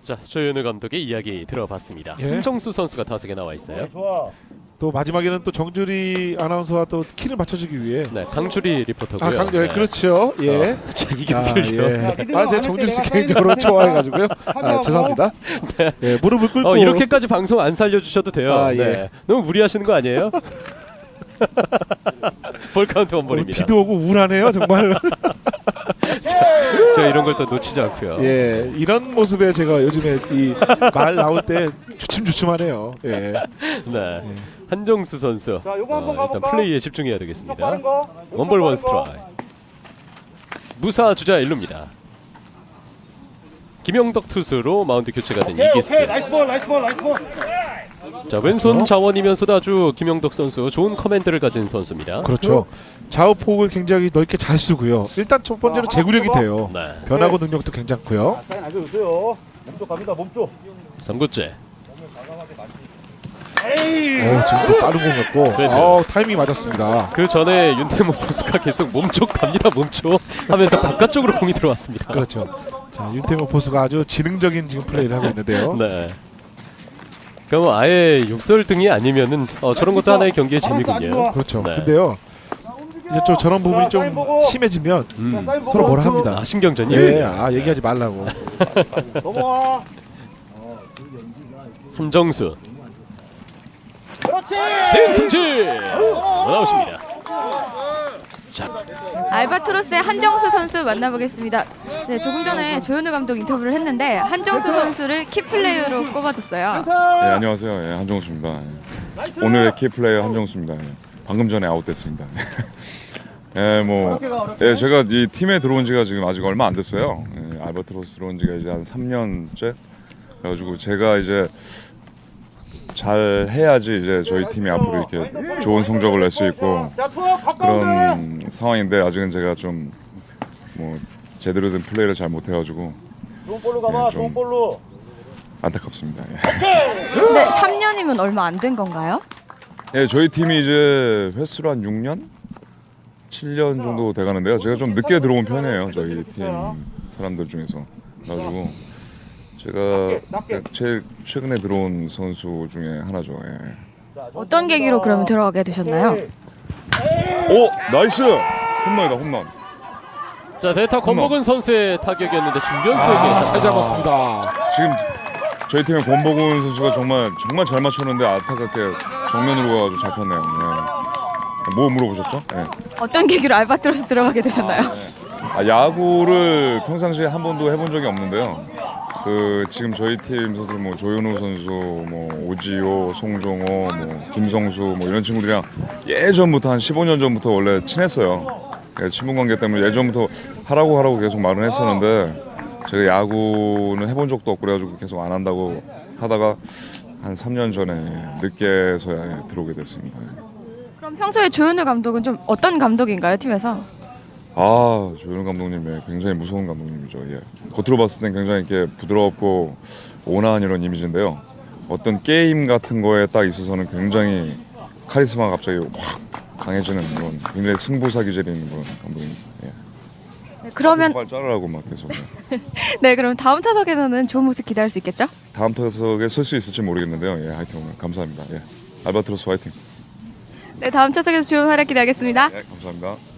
자, 조현우 감독의 이야기 들어봤습니다. 예. 한정수 선수가 타석에 나와 있어요. 또 마지막에는 또 정주리 아나운서와 또 키를 맞춰주기 위해 네, 강주리 리포터고요. 아 강조 예, 네. 그렇죠. 예. 자, 이게 아, 풀려. 예. 제가 정주리 씨 개인적으로 좋아해가지고요. 아, 죄송합니다. 예, 무릎을 꿇고 이렇게까지 방송 안 살려주셔도 돼요. 아, 예. 네. 너무 무리하시는 거 아니에요? 볼 카운트 원볼입니다. 비도 오고 우울하네요 정말. 저 이런 걸 또 놓치지 않고요. 예, 이런 모습에 제가 요즘에 이 말 나올 때 주춤주춤하네요. 예. 네. 한정수 선수 자, 요거 한번 일단 가볼까? 플레이에 집중해야 되겠습니다. 빠른 거. 원볼 원 빠른 거. 스트라이크. 무사 주자 1루입니다. 김영덕 투수로 마운드 교체가 된 오케이, 이기스. 오케이. 나이스 볼, 나이스 볼, 나이스 볼. 자, 왼손 자원이면서도 아주 김영덕 선수 좋은 커맨드를 가진 선수입니다. 그렇죠. 좌우폭을 굉장히 넓게 잘 쓰고요. 일단 첫 번째로 제구력이 돼요. 네. 변화구 능력도 괜찮고요. 사인 안 줘주세요. 몸쪽 갑니다, 몸쪽. 3구째. 지금 또 빠른 공이었고 그렇죠. 타이밍 맞았습니다. 그 전에 윤태모 포수가 계속 몸쪽 갑니다 몸쪽 하면서 바깥쪽으로 공이 들어왔습니다. 그렇죠. 자, 윤태모 포수가 아주 지능적인 지금 플레이를 하고 있는데요. 네. 그럼 아예 욕설등이 아니면은 저런 것도 하나의 경기의 재미군요. 그렇죠. 네. 근데요. 이제 좀 저런 부분이 좀 심해지면 서로 뭐라 합니다. 아, 신경전이요? 예, 얘기하지 말라고. 넘어와. 한정수 그렇지. 승승진 나오십니다. 알바트로스의 한정수 선수 만나보겠습니다. 네, 조금 전에 조현우 감독 인터뷰를 했는데 한정수 선수를 키플레이어로 꼽아줬어요. 네, 안녕하세요. 예, 한정수입니다. 예. 오늘의 키플레이어 한정수입니다. 예. 방금 전에 아웃됐습니다. 예, 뭐, 예, 제가 이 팀에 들어온 지가 지금 아직 얼마 안 됐어요. 예, 알바트로스 들어온 지가 이제 한 3년째. 그래가지고 제가 이제 잘 해야지 이제 저희 팀이 앞으로 이렇게 좋은 성적을 낼 수 있고 자, 투어 가까운데. 그런 상황인데 아직은 제가 좀 뭐 제대로 된 플레이를 잘 못해가지고 좋은 볼로 가봐, 예, 좀- 좋은 볼로. 안타깝습니다. 예. 근데 3년이면 얼마 안 된 건가요? 예, 저희 팀이 이제 횟수로 한 6년? 7년 정도 돼가는데요. 제가 좀 늦게 들어온 편이에요. 저희 팀 사람들 중에서. 그래가지고 제가 제일 최근에 들어온 선수 중에 하나죠. 예. 어떤 계기로 그러면 들어가게 되셨나요? 오! 나이스! 홈런이다, 홈런. 자, 대타 권복은 선수의 타격이었는데 중견수에게 잘 잡았습니다. 지금 저희 팀의 권복훈 선수가 정말 잘 맞췄는데 안타깝게 정면으로 가가지고 잡혔네요. 예. 뭐 물어보셨죠? 예. 어떤 계기로 알바트로스 들어가게 되셨나요? 야구를 평상시에 한 번도 해본 적이 없는데요. 지금 저희 팀 선수 뭐 조현우 선수, 뭐 오지호, 송종호, 뭐 김성수 뭐 이런 친구들이랑 예전부터 한 15년 전부터 원래 친했어요. 예, 친분 관계 때문에 예전부터 하라고 계속 말은 했었는데 제가 야구는 해본 적도 없고 그래가지고 계속 안 한다고 하다가 한 3년 전에 늦게서야 들어오게 됐습니다. 그럼 평소에 조현우 감독은 좀 어떤 감독인가요, 팀에서? 조현우 감독님 굉장히 무서운 감독님이죠. 예. 겉으로 봤을 땐 굉장히 이렇게 부드럽고 온화한 이런 이미지인데요. 어떤 게임 같은 거에 딱 있어서는 굉장히 카리스마가 갑자기 확 강해지는 그런 굉장히 승부사 기질이 있는 그런 감독입니다. 예. 네, 그러면 발 자르라고 막 계속. 예. 네, 그럼 다음 타석에서는 좋은 모습 기대할 수 있겠죠? 다음 타석에 쓸 수 있을지 모르겠는데요. 예, 하여튼 오늘 감사합니다. 예. 알바트로스 화이팅. 네, 다음 타석에서 좋은 활약 기대하겠습니다. 네, 감사합니다.